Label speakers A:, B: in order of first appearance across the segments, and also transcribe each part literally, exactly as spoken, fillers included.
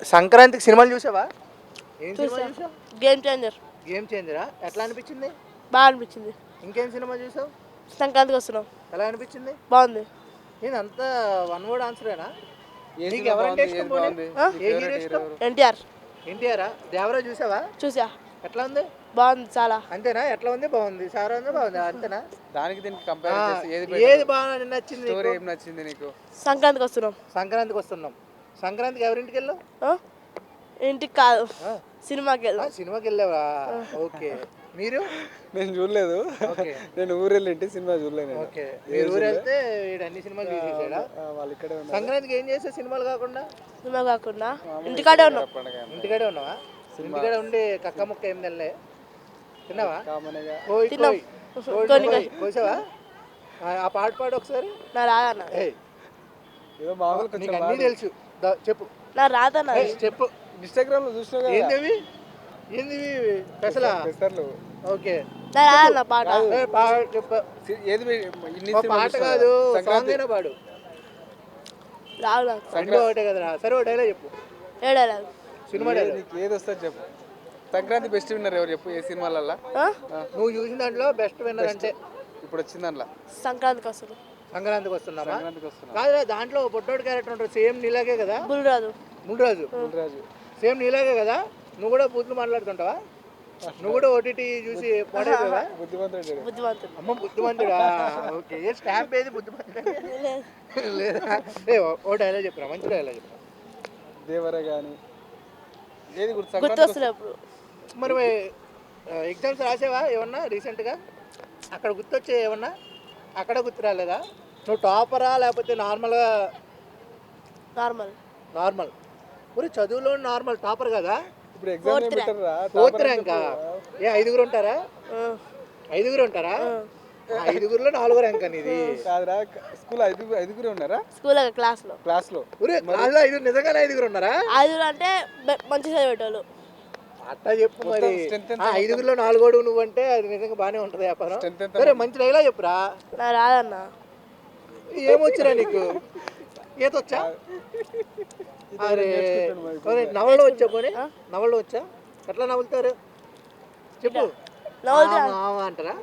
A: సంక్రాంతికి సినిమాలు చూసావా? ఏం సినిమా
B: చూసా
A: చూసావు?
B: గేమ్ చేంజర్
A: గేమ్ చేంజరా? ఎట్లా అనిపించింది?
B: బాగా అనిపించింది.
A: ఇంకేం సినిమా చూసావు?
B: సంక్రాంతికి వస్తున్నాం
A: ఎలా అనిపించింది?
B: బాగుంది.
A: నేను అంతా వన్ వర్డ్ ఆన్సరేనా?
C: ఏ
A: నీకు
C: సినిమా
A: ఎవరంటే
C: బాగుంది?
A: ఇష్టం
C: ఏది
A: పోనీ?
C: బాగుంది?
B: ఆ?
C: నీ
A: ఏ
C: ఫేవరెట్
A: హీరో
C: హీరో
A: ఇష్టం?
C: ఎవరు?
B: ఎన్టీఆర్
A: ఎన్టీఆరా? దేవరా చూసావా?
B: చూసా
A: ఎట్లా ఉంది?
B: బాగుంది చాలా.
A: అంతేనా? ఎట్లా ఉంది? బాగుంది. సారా ఉంది, బాగుంది, అంతేనా?
C: దానికి దీనికి
A: ఆ,
C: కంపేర్ చేస్తే ఏది
A: ఏది
C: better?
A: బాగా నచ్చింది
C: స్టోరీ
A: నీకు?
C: ఏం నచ్చింది నీకు?
B: సంక్రాంతికి వస్తున్నాం.
A: సంక్రాంతికి వస్తున్నాం. సంక్రాంతికి ఎవరింటికి వెళ్ళావు?
B: ఆ? ఇంటికి కాదు,
A: ఆ,
B: సినిమాకి
A: ఆ,
B: వెళ్దాం.
A: సినిమాకి వెళ్ళావా? ఓకే. మీరు?
C: నేను చూడలేదు.
A: ఓకే.
C: నేను ఊరు వెళ్ళింటి, సినిమా చూడలేదు నేను.
A: ఓకే.
C: ఏ
A: మీరు ఊరు
C: చూడలే.
A: వెళ్తే వీడు అన్ని సినిమాలు
C: ఆ,
A: చూసేసాడా?
C: ఆ, వాళ్ళు ఇక్కడే ఉన్నారు.
A: సంక్రాంతికి ఏం చేసావు సినిమాలు కాకుండా?
B: సినిమా కాకుండా
C: మామూలుగా
B: ఇంటికాడే
C: ఇక్కడ
B: ఉన్నాం.
C: పండగ అంతే.
A: ఇంటికాడే ఉన్నావా?
C: సినిమా.
A: ఇంటికాడే ఉండి కక్క ముక్క ఏం తినలే? తిన్నావా?
C: కామన్గా
A: కోయి
B: తిన్నాం.
A: కోయి కోయి
B: కొన్ని
A: కోయి. కోసావా? ఆ ఆ పాట పాడు ఒకసారి.
B: నా రాదన్న
A: ఏయ్,
C: ఏదో మామూలు
A: నీకు
C: కొంచెం
A: అన్నీ తెలుసు. దా, చెప్పు.
B: నా రాదన్న
A: ఏయ్, చెప్పు.
C: ఇన్స్టాగ్రామ్ లో చూసినా కదా
A: ఏందివి? ఏందివి? పెసలా?
C: పెసర్లు.
A: ఓకే.
B: నా రాదన్న పాట.
C: కాదు.
A: ఏయ్, పాడు చెప్పు.
C: సి- ఏది మీ- ఇన్ని
A: ఓ
C: సినిమాలు
A: పాట
C: చూసినావు
A: కాదు,
C: కదా?
A: సాంగ్
C: సంక్రాంతి
A: అయినా పాడు.
B: రాదు నాకు.
A: రెండు ఒకటే కదరా. సరే ఓ డైలాగ్ చెప్పు.
B: ఏడాలి.
A: సినిమా
C: ఏది
A: డైలాగ్.
C: నీకు ఏది వస్తుంది చెప్పు. సంక్రాంతి బెస్ట్ విన్నర్ ఎవరు చెప్పు, ఏ సినిమాలల్లో?
A: నువ్వు చూసిన దాంట్లో బెస్ట్ విన్నర్ అంటే
C: ఇప్పుడు వచ్చింది అందులో.
B: సంక్రాంతికి వస్తున్నాం.
A: సంక్రాంతికి వస్తున్నామా?
C: సంక్రాంతికి వస్తున్నా.
A: కాదురా, దాంట్లో పొట్టోడు క్యారెక్టర్ ఉంటుంది, సేమ్ నీలాగే కదా?
B: బుల్రాజు.
A: ముందురాజు
C: రాజు.
A: సేమ్ నీలాగే కదా? నువ్వు కూడా బూతులు మాట్లాడుతుంటావా? నువ్వు కూడా ఓటీటీ చూసి పాడైపోయావా?
C: బుద్ధిమంతుడు.
B: బుద్ధిమంతుడు.
A: అమ్మ బుద్ధిమంతుడా? ఓకే. ఏ స్టాంప్ ఏది బుద్ధిమంతుడా?
B: లేదు.
A: లేదా? ఏ ఓ- ఓ డైలాగ్ చెప్పరా, మంచి డైలాగ్ చెప్పరా.
C: దేవర కానీ ఏది గుర్తు?
B: గుర్తు
C: సంక్రాంతికి
B: వస్తలే ఇప్పుడు.
A: మరి ఎగ్జామ్స్ రాసావా ఏమన్నా రీసెంట్గా? అక్కడ గుర్తొచ్చే ఏమన్నా? అక్కడ గుర్తు రాలేదా? నువ్వు టాపరా లేకపోతే నార్మల్గా?
B: నార్మల్.
A: నార్మల్. ఊరి చదువులో నార్మల్, టాపర్ కదా?
C: ఇప్పుడు ఎగ్జామ్ ఏం
B: Fourth rank.
C: పెట్టారా?
A: ఫోర్త్ ర్యాంకా? ఏ ఐదుగురు ఉంటారా?
B: ఆ,
A: ఐదుగురు ఉంటారా?
B: ఆ.
A: ఆ, ఐదుగురులో నాలుగో ర్యాంక్ అనేది.
C: కాదురా, స్కూల్ ఐదుగురు ఐదుగురే ఉన్నారా
B: స్కూల్ క్లాస్లో.
C: క్లాస్ లో?
A: ఊరే క్లాస్లో ఐదుగురు, నిజంగానే ఐదుగురు ఉన్నారా?
B: ఐదుగురు అంటే బె- మంచి చదివేటోళ్ళు.
A: అట్టా చెప్పు మరి.
C: మొత్తం strength ఎంత
A: ఆ, ఐదుగురులో నాలుగోడు నువ్వు అంటే అది నిజంగా బాగానే ఉంటుంది వ్యాపారం.
C: Strength ఎంత?
A: సరే మంచి డైలాగ్ చెప్పురా.
B: నా రాదన్న.
A: ఏమొచ్చురా నీకు? ఈత వచ్చా?
C: ఇది
A: అరే,
C: నేర్చుకుంటాను మరి ఇప్పుడు.
A: ఒరే, నవల్లో వచ్చా పోనీ?
B: ఆ?
A: నవల్లో వచ్చా? ఎట్లా నవ్వులుతారు చెప్పు.
B: నవ్వులుతా.
A: ఆ, మామ అంటారా?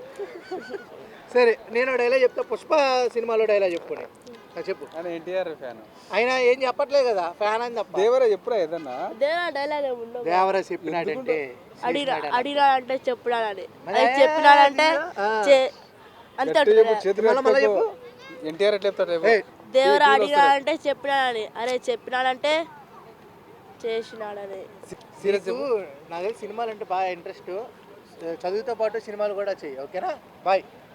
A: సరే నేను డైలాగ్ చెప్తా. పుష్ప సినిమాలో డైలాగ్ చెప్పుకోండి. చెప్పు.
C: ఆయన ఎన్టీఆర్ ఫ్యాన్.
A: అయినా ఏం చెప్పట్లేదు కదా, ఫ్యాన్ అని తప్ప.
C: దేవర చెప్పురా ఏదన్నా.
B: దేవరా డైలాగ్ ఏమి ఉండవు.
A: దేవరా చెప్పినాడంటే
B: అడిగినా అడిగినా అంటే చెప్పినాడని.
A: మరి
B: అది చెప్పినాడంటే
A: ఆ.
B: చే- అంతే
C: గట్టిగా
B: ఉంటుంది.
C: చెప్పు, చేతులు
A: మళ్ళా మళ్ళా
C: ఎత్తుకో. ఎన్టీఆర్ ఎట్లా చెప్తాడు రేపు?
A: ఏయ్,
B: దేవరా అడిగినాడంటే చెప్పినాడని. అరే చెప్పినాడంటే చేసినాడని.
C: సీరియస్
A: నీకు నాకు తెలిసి సినిమాలు అంటే బాగా ఇంట్రెస్ట్. చదువుతో పాటు సినిమాలు కూడా చెయ్యి, ఓకేనా? బాయ్.